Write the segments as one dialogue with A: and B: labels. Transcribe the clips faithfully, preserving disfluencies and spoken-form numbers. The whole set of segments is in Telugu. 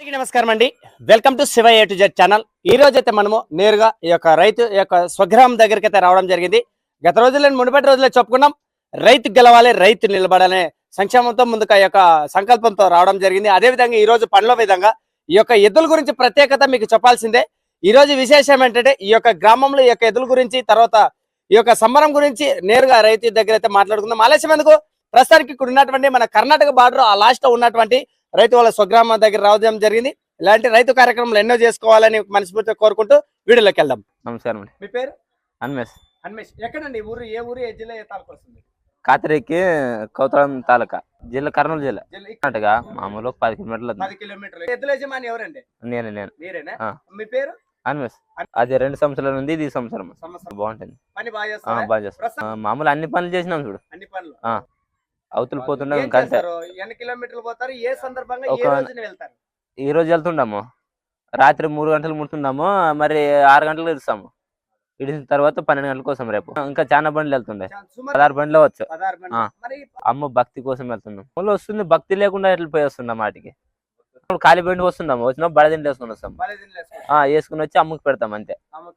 A: అందరికీ నమస్కారం అండి. Welcome to Shiva A to Z channel. ఈ రోజు అయితే మనము నేరుగా ఈ యొక్క రైతు ఈ యొక్క స్వగ్రామం దగ్గరికి అయితే రావడం జరిగింది. గత రోజుల్లో మునుపటి రోజుల్లో చెప్పుకున్నాం, రైతు గెలవాలి, రైతు నిలబడాలనే సంక్షేమంతో ముందుకు ఆ యొక్క సంకల్పంతో రావడం జరిగింది. అదేవిధంగా ఈ రోజు పనిలో విధంగా ఈ యొక్క ఎద్దుల గురించి ప్రత్యేకత మీకు చెప్పాల్సిందే. ఈ రోజు విశేషం ఏంటంటే ఈ యొక్క గ్రామంలో ఈ యొక్క ఎద్దుల గురించి, తర్వాత ఈ యొక్క సంబరం గురించి నేరుగా రైతు దగ్గర అయితే మాట్లాడుకుందాం. ఆలస్యం ఎందుకు, ప్రస్తుతానికి ఇక్కడ ఉన్నటువంటి మన కర్ణాటక బార్డర్ ఆ లాస్ట్ లో ఉన్నటువంటి రైతు వాళ్ళ స్వగ్రామం దగ్గర రావడం జరిగింది. ఇలాంటి రైతు కార్యక్రమాలు ఎన్నో చేసుకోవాలని మనస్ఫూర్తిగా కోరుకుంటూ వీడియోలోకి వెళ్దాం.
B: నమస్కారం అండి.
A: మీ పేరు?
B: అన్మేష్.
A: అన్మేష్. ఎక్కడండి ఊరు? ఏ ఊరు, ఏ జిల్లా, ఏ తాలూకా వస్తుంది?
B: కాతరికి కౌతలం తాలూకా, జిల్లా కర్నూలు జిల్లా, కర్ణాటక. మామూలు పది కిలోమీటర్లు.
A: పది కిలోమీటర్లు. ఎద్దుల యజమాని ఎవరండి?
B: నేను నేను
A: మీరేనా? మీ పేరు?
B: అన్మేష్. అది రెండు సంవత్సరాలు ఉంది, ఇది సంవత్సరం. బాగుంటుంది,
A: పని బాగా చేస్తారా?
B: బాగా చేస్తాం. మామూలు అన్ని పనులు చేసినాం చూడు.
A: అన్ని పనులు
B: అవతల పోతుండే.
A: ఎన్ని కిలోమీటర్లు పోతారు? ఏ సందర్భంగా ఏ రోజున వెళ్తారు?
B: ఈ రోజు వెళ్తుండాము, రాత్రి మూడు గంటలు ముడుతున్నాము, మరి ఆరు గంటలకు ఇస్తాము. ఇడిసిన తర్వాత పన్నెండు గంటల కోసం రేపు ఇంకా చాలా బండ్లు వెళ్తుండే, పదహారు బండ్లు వచ్చు. అమ్మ భక్తి కోసం వెళ్తున్నాం. మళ్ళీ వస్తుంది, భక్తి లేకుండా ఎట్లా పోయి వస్తున్నాం వాటికి. ఖాళీ బండి వస్తున్నాము, వచ్చినా బడదిండి వేసుకుని వస్తాం, వేసుకుని వచ్చి అమ్మకి పెడతాం అంతే.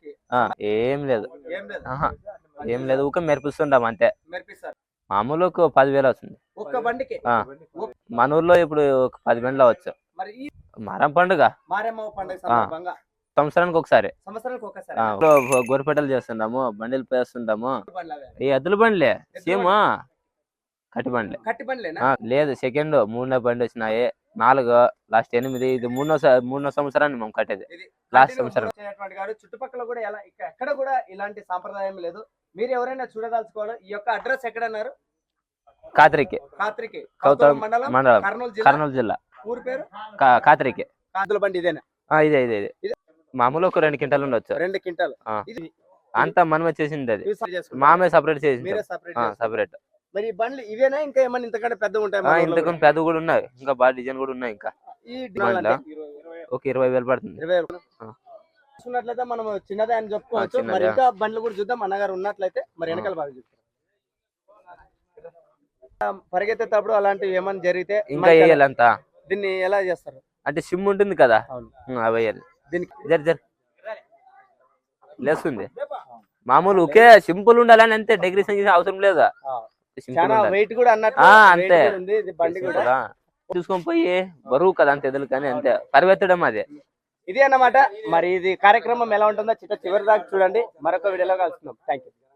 B: ఏం లేదు, ఏం లేదు, ఊక మెరిపిస్తుంటాం అంతే. మామూలు ఒక పదివేలు వస్తుంది మన ఊర్లో. ఇప్పుడు ఒక పది బండ్లు అవచ్చు. మారం పండుగ సంవత్సరానికి ఒకసారి గోరిపేటలు చేస్తున్నాము, బండిలు పేస్తుంటాము. ఈ ఎద్దుల బండ్లే సేమ్ కట్టి బండ్లే. లేదు, సెకండ్ మూడో బండి వచ్చినాయి, నాలుగు, లాస్ట్ ఎనిమిది. ఇది మూడో మూడో సంవత్సరాన్ని మేము కట్టేది, లాస్ట్ సంవత్సరం.
A: చుట్టుపక్కల కూడా ఎలా ఎక్కడ కూడా ఇలాంటి సాంప్రదాయం లేదు. మీరు ఎవరైనా చూడదలుచుకోవాలి, ఈ యొక్క అడ్రస్ ఎక్కడ అన్నారు?
B: కాతరికి,
A: కాతరికి
B: మండలం, కర్నూలు జిల్లా.
A: ఊరు పేరు
B: కాతరికి.
A: కాతుల బండి ఇదేనా?
B: ఇదే ఇదే ఇదే మామూలు ఒక రెండు క్వింటాలు ఉండొచ్చు.
A: రెండు క్వింటాలు
B: అంతా మనమే చేసింది, అది మామే సపరేట్ చేసింది, సపరేట్.
A: మరి బండ్లు ఇవేనా, ఇంకా ఏమన్నా ఇంతకంటే పెద్ద ఉంటాయి?
B: ఇంతకంటే పెద్ద కూడా ఉన్నాయి, ఇంకా బాగా డిజైన్ కూడా ఉన్నాయి. ఇంకా ఒక ఇరవై వేలు పడుతుంది.
A: చూసినట్లయితే మనం చిన్నదే అని చెప్పుకోవచ్చు. మరి ఇంకా బండ్లు కూడా చూద్దాం. అన్నగారు ఉన్నట్లయితే మరి వెనకాల బాగా చూస్తారు. పరిగెత్తేటప్పుడు అలాంటివి ఏమైనా జరిగితే
B: ఇంకా వేయాలంతా.
A: దీన్ని ఎలా చేస్తారు
B: అంటే సిమ్ ఉంటుంది కదా, అవి వేయాలి. దీనికి జరి జరి లేస్తుంది. మామూలు ఒకే సింపుల్ ఉండాలని అంతే, డెకరేషన్ అవసరం లేదా.
A: వెయిట్ కూడా అన్నట్టు
B: అంతే.
A: బండి కూడా
B: చూసుకొని పోయి బరువు కదా అంత ఎదురు, కానీ అంతే పరిగెత్తడం అదే.
A: ఇది అన్నమాట. మరి ఇది కార్యక్రమం ఎలా ఉంటుందో చిట్ట చివరి దాకా చూడండి. మరొక వీడియోలో కలుస్తున్నాం. Thank you.